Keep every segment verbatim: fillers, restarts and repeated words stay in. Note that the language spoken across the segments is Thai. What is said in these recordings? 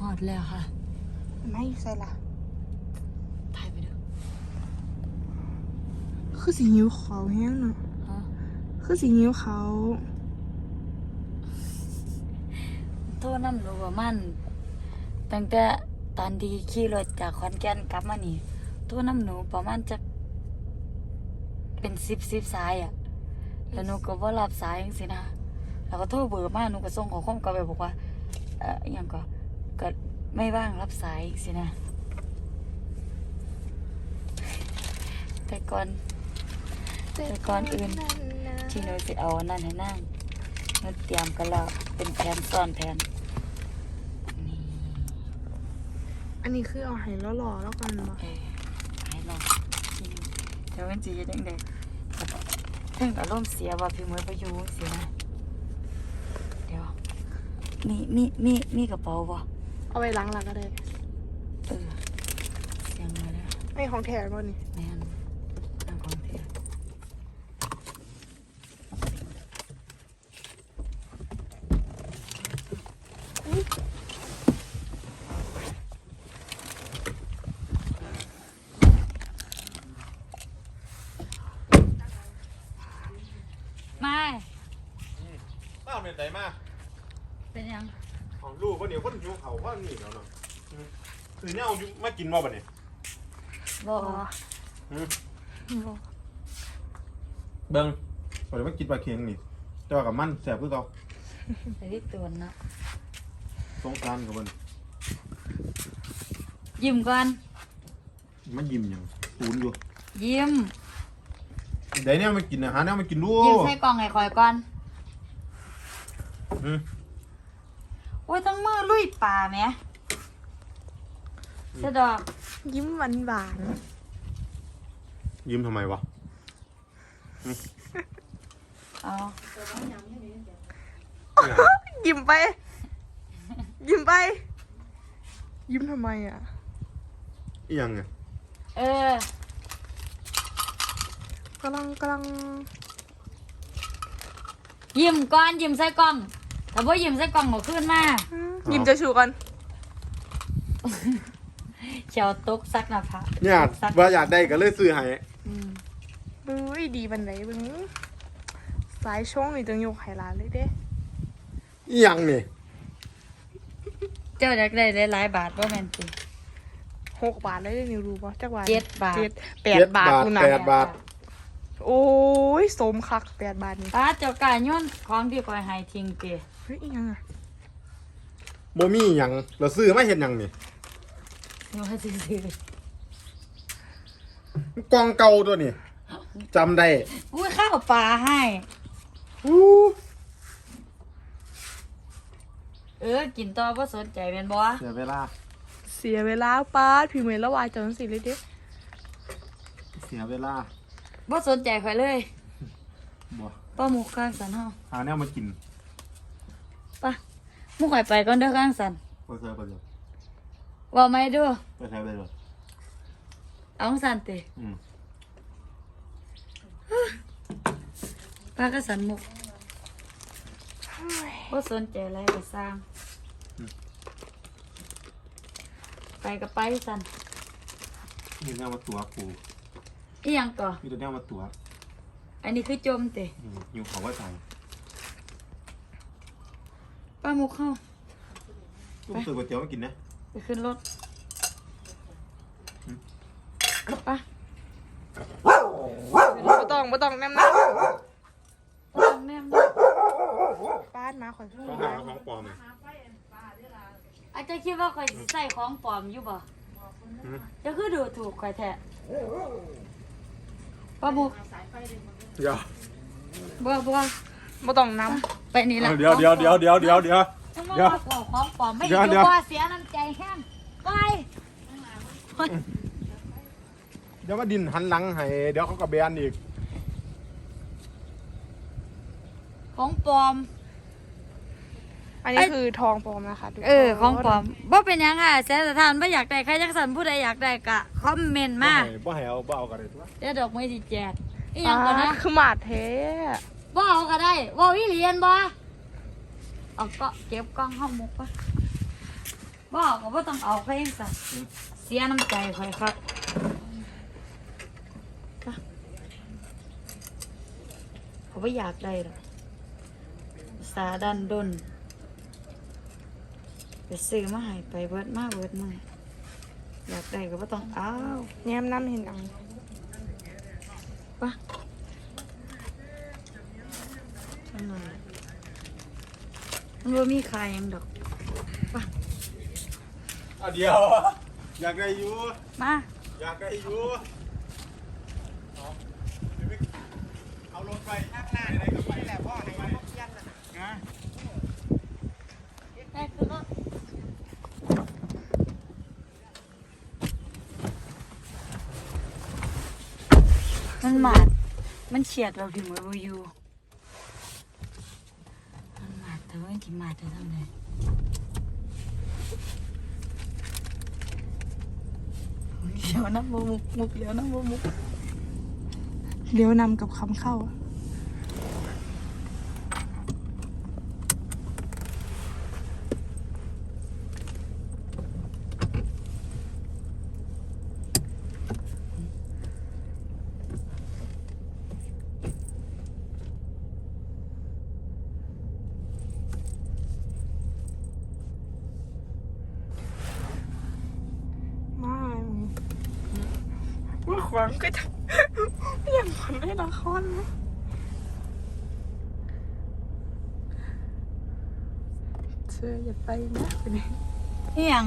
อดแล้วค่ะไม่ใส่ละถ่ายไปดูคือสีหิวเขาแห้งเนาะคือสีหิวเขาโทษน้ำรู้ว่ามันตั้งแต่ตอนที่ขี่รถจากขอนแก่นกลับมานี่โทษน้ำหนูประมาณจะเป็นสิบสิบสายอ่ะแล้วหนูก็ว่ารับสายจังสินะแล้วก็โทรเบอร์มาหนูก็ส่งข้อความกลับไปบอกว่าเอ่ออหย่างก็ก็ไม่ว่างรับสายจังสินะแต่ก่อนแต่ก่อนอื่นที่หนูสิเอานั่นให้นั่งหนูเตรียมกันแล้วเป็นแผนซ้อนแผนนี่อันนี้คือเอาให้แล้วหล่อแล้วกันบ่เออให้ลองกินเดี๋ยวมันจะยังไงถึงอารมณ์เสียว่าพี่มวยไปอยู่สินะเดี๋ยวมีมีมีมีกระเป๋าบ่เอาไปล้างหลังก็ได้เออเสียงมาแล้วไม่ของแถมบ่นี่แม่นนั่งของเทียไม่ป้าเป็นไรมากเป็นยังของลูกว่าเดี๋ยวคนหิวเขาว่านี่แล้วเนาะคือเนี่ยเอามากินบ่บ่เนี่ยบ่เบิ้งพอเดี๋ยวมากินปลาเค็งนี่เจ้ากับมันแสบคือเขาไอ้ที่ตัวนะสงสารกับมันยิ้มก่อนมันยิ้มยังตูนอยู่ยิ้มเดี๋ยวเนี่ยมันกินอาหารเนี่ยมันกินดูยิ้มใส่กล่องไอ้คอยก่อนอืมโอ้ยต้องมือลุยป่าไหมเสดอกยิ้มหวานหวานยิ้มทำไมวะเอายิ้มไปยิ้มไปยิ้มทำไมอ่ะอีหยังไงเออกำลังกำลังยิ้มก่อนยิ้มใส่กล่องแต่ว่ายิ้มใส่กล่องหมดขึ้นมายิ้มจะชูกันเชียวตกซักนะพะเนี่ยว่าอยากได้ก็เลยซื้อให้บึ้ยดีบันไดบึ้งสายช่องนี่ต้องยกไฮลาเลยเด้อีหยังนี่เจ้าอยากได้หลายๆบาทว่าแม่นจริงหกบาทเลยนิวรู้ป่ะจักบาทเจ็ดบาทแปดบาทคุณน่ะแปดบาทโอ้ยสมคักแปดบาทนี่ป้าเจ้ากายย้อนของที่คอยให้ทิ้งเปียเฮ้ยยังอ่ะบ่มีหยังเราซื้อมาเห็นหยังนี่ว่าซื้อกล่องเก่าตัวนี่จำได้อุ้ยข้าวปลาให้เออกินต่อว่าสนใจเป็นบ่เสียเวลาเสียเวลาป้าพี่เมย์ละวายจังสิเลยเด้เสียเวลาบ่สนใจใครเลยบ่ป้าหมูข้างสันเฮาหาแนวมากินป้าหมูข่อยไปก่อนเด้อข้างสันไปเถอะไปเถอะว่าไม่ดูไปเถอะไปเถอะเอาสันติอืมป้าก็สันมุกบ่สนใจอะไรก็สร้างไปก็ไปสันนี่แนวมาตัวกูอีหยังก่อมีตัวแนวมาตัวอันนี้คือจมติอยู่เขาว่าใจป้ามุกเข้าไปซื้อก๋วยเตี๋ยวมากินนะไปขึ้นรถป้าไม่ต้องไม่ต้องแนมนะต้องแนมป้านมาขอโทษต้องหาของปลอมไหมอาจจะคิดว่าข่อยใส่ของปลอมอยู่บ่จะคือดูถูกข่อยแท้ป้าบุกเดี๋ยวบัวบัวไม่ต้องน้ำไปนี่แหละเดี๋ยวเดี๋ยวเดี๋ยวเดี๋ยวเดี๋ยวเดี๋ยวเดี๋ยวของปลอมไม่อยู่ว่าเสียน้ำใจแห้งไปเดี๋ยวมาดินหันหลังให้เดี๋ยวเขากระเบนอีกของปลอมอันนี้คือทองปลอมนะคะเออของปลอมบ่เป็นยังค่ะแสนสถานไม่อยากได้ใครจักสันผู้ใดอยากได้กะคอมเมนต์มาบ่ให้เอาบ่เอากันเลยตัวเดี๋ยวดอกไม้สิแจกอีหยังก่อนนะคือหมาเทบ่เอาก็ได้บ่วิเรียนบ่เอาก็เก็บกล้องห้องมุกปะบ่เอาก็บ่ต้องเอาเขาเองซะเสียน้ำใจข่อยครับเขาบ่อยากได้หรอกสาดันดนไปซื้อมาให้ไปเบิดมาเบิดมาอยากได้ก็บ่ต้องเอาแง้มน้ำเห็นอังปะจังไงมันบ่มีขายหยังดอกปะอ่ะเดียว อยากได้อยู่มาอยากได้อยู่เอาเดี๋ยวไปเอารถไปข้างหน้าไหนก็ไปแหละพ่อไหนก็เพี้ยนน่ะนะได้คือรถมันหมาดมันเฉียดเราถึงมือบ่อยู่มันหมาดแต่ว่าที่หมาดจะทำไงเดี๋ยวนะมุกมุกเดี๋ยวนะมุกมุกเลี้ยวนำกับคำเข้าอะมามึงว่าขวางก็จะยังคนได้ละครนะเธออย่าไปนะไปนี่นี่ยัง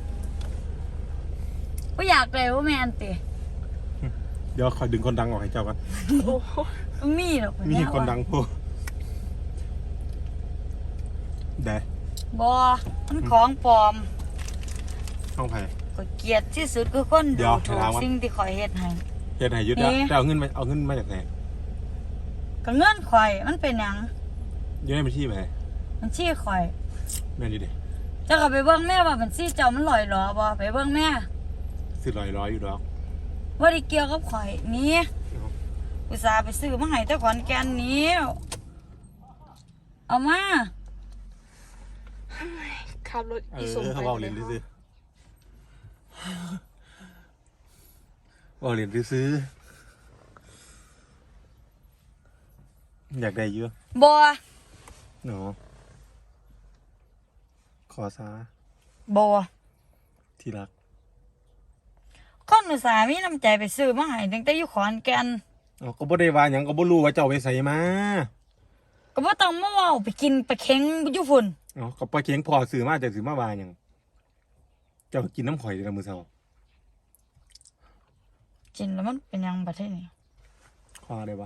ก็อยากเลยว่าแมนติเดี๋ยวคอยดึงคนดังออกให้เจ้ากันโอ้โหมันมีหรอกมีคนดังพูดเด้บอมันของปลอมห้องไผ่ก็เกลียดที่สุดคือคนเดี๋ดูยวถูกถามว่าสิ่งที่คอยเฮ็ดให้เฮ็ดให้ยึดแล้วนี่แต่เอาเงินมาเอาเงินมาจากไหนก็เงื่อนข่อยมันเป็นหยังอยังได้บัญชีไหมมันชี้ข่อยแม่นดีเด้เจ้าก็ไปเบิ่งแม่ว่ามันชี้เจ้ามันลอยหรอบ่ไปเบิ่งแม่สิร้อยร้อยอยู่ดอกว่าได้เกี่ยวกับข่อยนี่อุตส่าห์ไปซื้อมาให้แต่ขอนแก่นนี้เอามาขับรถเออีอส่งไปเขาเอาเหรียญซื้อเอาเหรียญซื้ออยากได้เยอะบ่เนาะขอซาบ่ที่รักคนอุตส่าห์มีน้ำใจไปซื้อมาให้ตั้งแต่อยู่ขอนแก่นเอาก็บ่ได้ว่าหยังก็บ่รู้ว่าเจ้าไปใส่มาก็บ่ต้องมาเว้าไปกินไปเค็งอยู่ฝุ่นเอาก็ปลาเค็งพอซื้อมาแต่ซื้อมาว่าหยังเจ้ากินน้ำข่อยเด้อมื้อเช้ากินแล้วมันเป็นหยังประเทศนี้ขอได้ปะ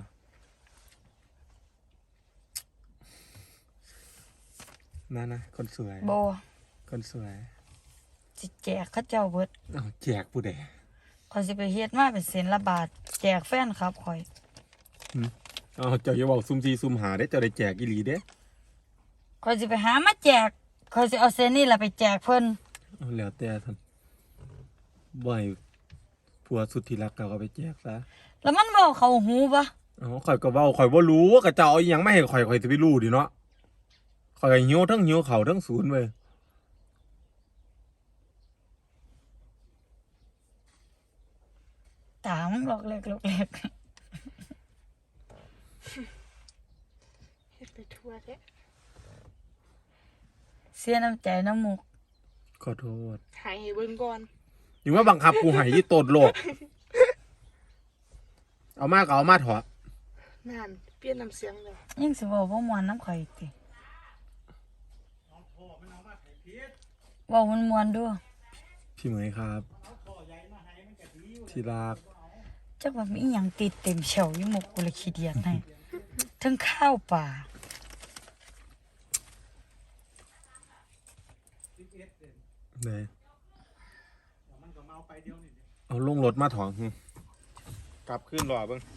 นั่นนะคนสวยบ่คนสวยสิแจกเขาเจ้าเบิดเอาแจกผู้ใดข่อยสิไปเฮ็ดมาเป็นเส้นละบาทแจกแฟนครับข่อยเอาเจ้าอย่าบอกซุ่มซีซุ่มหาได้เจ้าได้แจกอีหลีเด้ข่อยสิไปหามาแจกข่อยสิเอาเส้นนี้ล่ะไปแจกเพิ่นเอาแล้วแต่ท่านบ่ให้ผัวสุดที่รักเขาก็ไปแจกซะแล้วมันเว้าเข้าหูบ่เอาข่อยก็เว้าข่อยบ่รู้ว่าก็เจ้าเอาอิหยังมาให้ข่อยข่อยสิไปรู้ดิเนาะข่อยก็หิวทั้งหิวข้าวทั้งศูนย์เว้ยตามันหลอกเล็กหลอกเล็กเฮ็ดไปทั่วแท้เสียน้ำใจน้ำมุกขอโทษหายให้เบิ่งก่อนอยู่ว่าบังคับกูให้ยี่โตดโลก เอามาก็เอามาเถอะนั่นเปลี่ยนน้ำเสียงเลยยิ่งสิเว้าบ่ม่วนน้ำข่อยอีกติเว้าม่วนๆดูพี่เหมยครับ ที่รักจักว่ามีอิหยังติดเต็มเฉวอยู่หมกกูเลยขี้เดียดให้ทั้งข้าวป่าเลยเอาลงรถมาถองหึกลับขึ้นรอเบิ้ง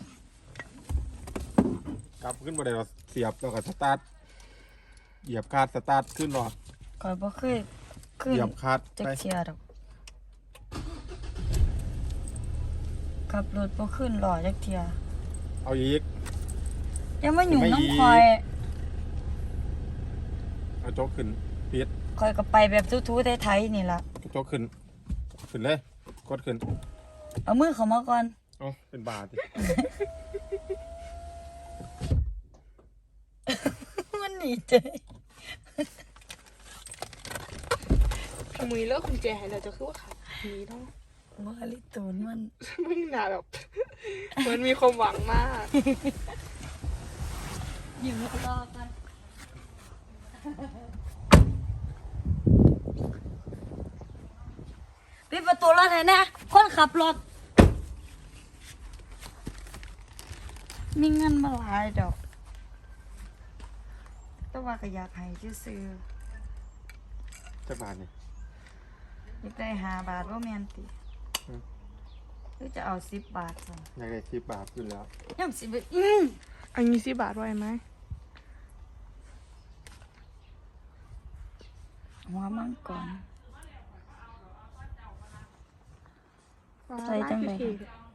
กลับขึ้นบ่ได้เราเสียบแล้วก็สตาร์ทเหยียบคาดสตาร์ทขึ้นรอข่อยบ่เคยขึ้เหนยียบคาดจักไปเที่ยดอกขับรถบ่ขึ้นหล่อจักเที่ยเอาอีกอย่ามาหยุ่งไม่อีกน้ำข่อยเอาโจ๊กขึ้นปิดขคอยก็ไปแบบทูๆไทยๆนี่ล่ะกระจกขึ้นขึ้นเลยกดขึ้นเอามือเข้ามาก่อนเอ้าเป็นบาทดิมันหนีใจพี่มือเลิกกุญแจให้เราจะคือว่าขาดนี้เนาะว่าลิตูนมันมึงหนาแบบเหมือนมีความหวังมากอยู่รอกันปิดประตูรถให้นะคนขับรถมีเงินมาหลายดอกแต่ว่าก็อยากให้ซื้อจักบาทนี่ๆอยากได้ห้าบาทว่าแมนติอืมหรือจะเอาสิบบาทสั่อยากได้สิบบาทอยู่แล้วยังสิบอืมอันนี้สิบบาทไว้ไหมหัวมังก่อนว้าวใจจังเลยร้าน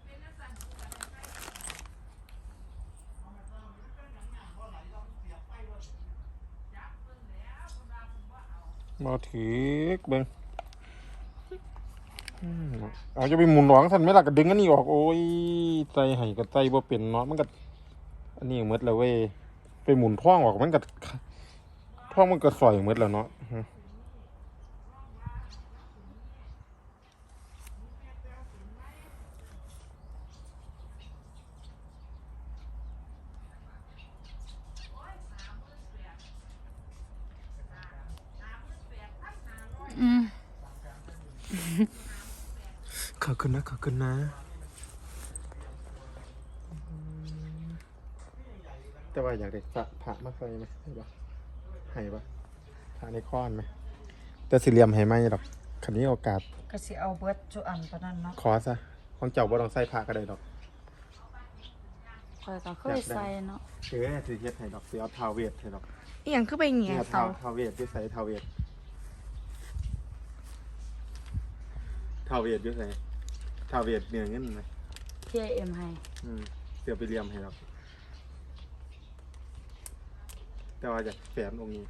มาถือเบิ้งอืมเอาจะไปหมุนหวังสันไหม่ล่ะก็ดึงอันนี้ออกโอ้ยใจไห้กับใจบ่เป็นเนาะมันก็อันนี้หมดแล้วเว้ยไปหมุนท่องออกมันก็ท่องมันก็สอยหมดแล้วเนาะอืมขอบคุณนะขอบคุณนะแต่ว่าอยากได้พระพระมาใส่ไหมให้ปะให้ปะพระในค้อนไหมแต่สี่เหลี่ยมให้ไหมดอกคันนี้โอกาสก็สิเอาเบิดจุอันปานนั้นเนาะขอซะของเจ้าบ่ต้องใส่พระก็ได้ดอกคอยก็เคยใส่เนาะเออสิเฮ็ดให้ดอกสิเอาทาวเวทให้ดอกอีหยังคือไปเหงี่ยเนี่ยเสาทาวทาวเวทอยู่ใส่ทาวเวททาวเวทอยู่ใส่ทาวเวทเนี่ยเงินไหมพี่เอ็มให้อืมเสียไปเหลี่ยมให้ดอกแต่ว่าอยากแฝนองค์นี้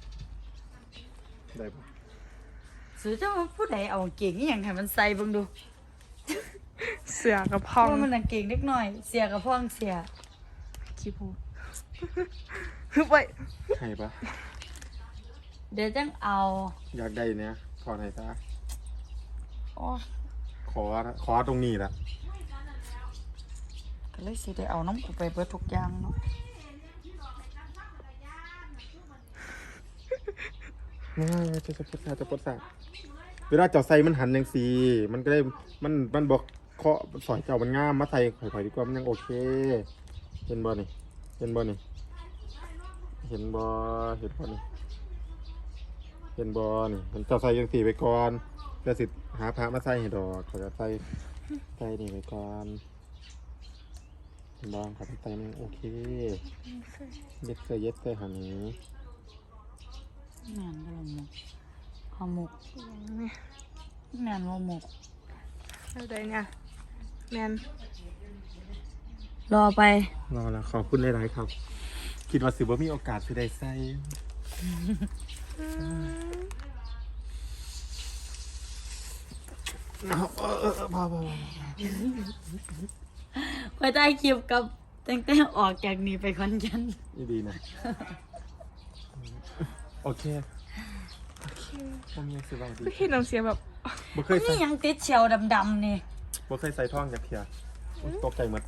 ได้ปะซื้อจะมาผู้ใดเอาเก่งอหย่างให้มันใส่เบิ่งดูเสือกับพเพองราะว่ามันน่ะเก่งเล็กน้อย เสียกับพ่องเสียขี้พูด ฮึบไปให้ปะเดี๋ยวจังเอาอยากได้เนี่ยขอไหนอยซะโอ้ขอขอตรงนี้ละก็เลยสิได้เอาน้ำกูไปเบิดทุกอย่างเนาะไม่จะจะปดสาจะปดสาเวลาเจ้าใส่มันหันยังสีมันก็ได้มันมันบอกเคาะสอยเจ้ามันง่ามมาใส่ข่อยๆดีกว่ามันยังโอเค เห็นบ่นี่เห็นบ่นี่เห็นบ่เห็นบ่นี่เห็นบ่นี่มันเจ้าใส่ยังสีไปก่อนเดี๋ยวสิหาพระมาใส่ให้ดอกเขาจะใส่ใส่นี่ไปก่อนเห็นบ่เขาจะใส่มันโอเคเย็ดเสยเย็ดเสยหันนี้แม่นบ่ละหมกหอมหมกเนี่ยแม่นบ่หมกอะไรเนี่ยแมนรอไปรอแล้วขอบคุณหลายๆครับ คิดว่าสิบ่มีโอกาสสิได้ใส่เอาเออเออพอพอไปได้คลิปกับตั้งแต่ออกจากนี้ไปคอนแก่นนี่ดีนะโอเคผมยังสิบางดีไม่เห็นน้ำเสียงแบบบ่เคยใส่นี่ยังติดเชียวดำๆนี่บ่เคยใส่ท่องจากเทียตกใจหมด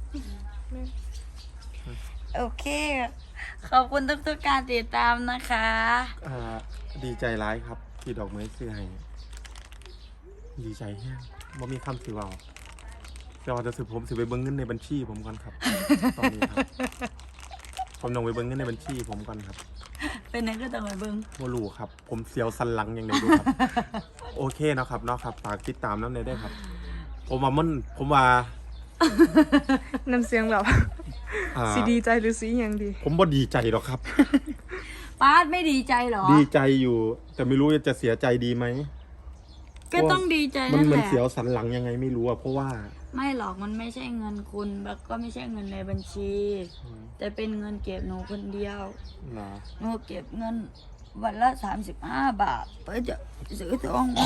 โอเค ขอบคุณทุกๆการติดตามนะคะอ่าดีใจร้ายครับ ที่ดอกไม้ซื้อให้ดีใจแฮงบ่มีคำสิเว้าแต่ว่าจะสิผมสิไปเบิ่งเงินในบัญชีผมก่อนครับตอนนี้ครับผมต้องไปเบิ่งเงินในบัญชีผมก่อนครับเป็นนักก็ต้องไปเบิ้งบ่รู้ครับ ผมเสียวสันหลังอย่างไดดูครับ โอเคเนาะครับเนาะครับฝากติดตามน้ำในได้วยครับ ผมว่ามันผมว่าน้ำเสียงแบบอ่าสีดีใจหรือสีอหย่างดีผมบ่ดีใจหรอกครับป้าดไม่ดีใจเหรอดีใจอยู่ แต่ไม่รู้จะเสียใจดีไหมก็ต้องดีใจมันนั่นมัแหนละเสียวสันหลังยังไงไม่รู้อะเพราะว่าไม่หรอกมันไม่ใช่เงินคุณแล้วก็ไม่ใช่เงินในบัญชี แต่เป็นเงินเก็บหนูคนเดียวเหรอหนูเก็บเงินวันละสามสิบห้าบาทเพื่อจะซื้อทองไว้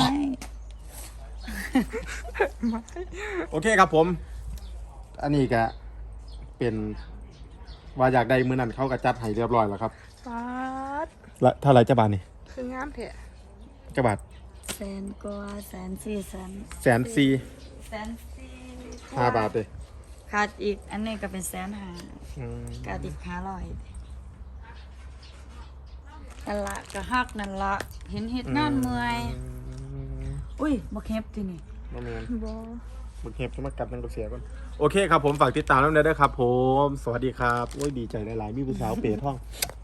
โอเคครับผม อันนี้ก็เป็นว่าอยากได้มือนั้นเขาก็จัดให้เรียบร้อยแล้วครับฟาดละเท่าไหรจะบาทนี่คืองามแท้จะบาทแสนกว่าแสนสี่แสนแสนสี่แสนสี่ห้าบาทเลยขาดอีกอันนี้ก็เป็นแสนห้าอืมขาดอีกห้าร้อยนั่นละก็ฮักนั่นละเห็นเฮ็ดงานเมื่อย อุ้ยบ่เฮ็บที่นี่บ่แม่นบอบึกเห็บจะมากัดนังกระเสียก่อนโอเคครับผมฝากติดตามแล้วด้วยนะครับผม สวัสดีครับโอ้ยดีใจหลายๆมีผู้สาวเป๋ท่อง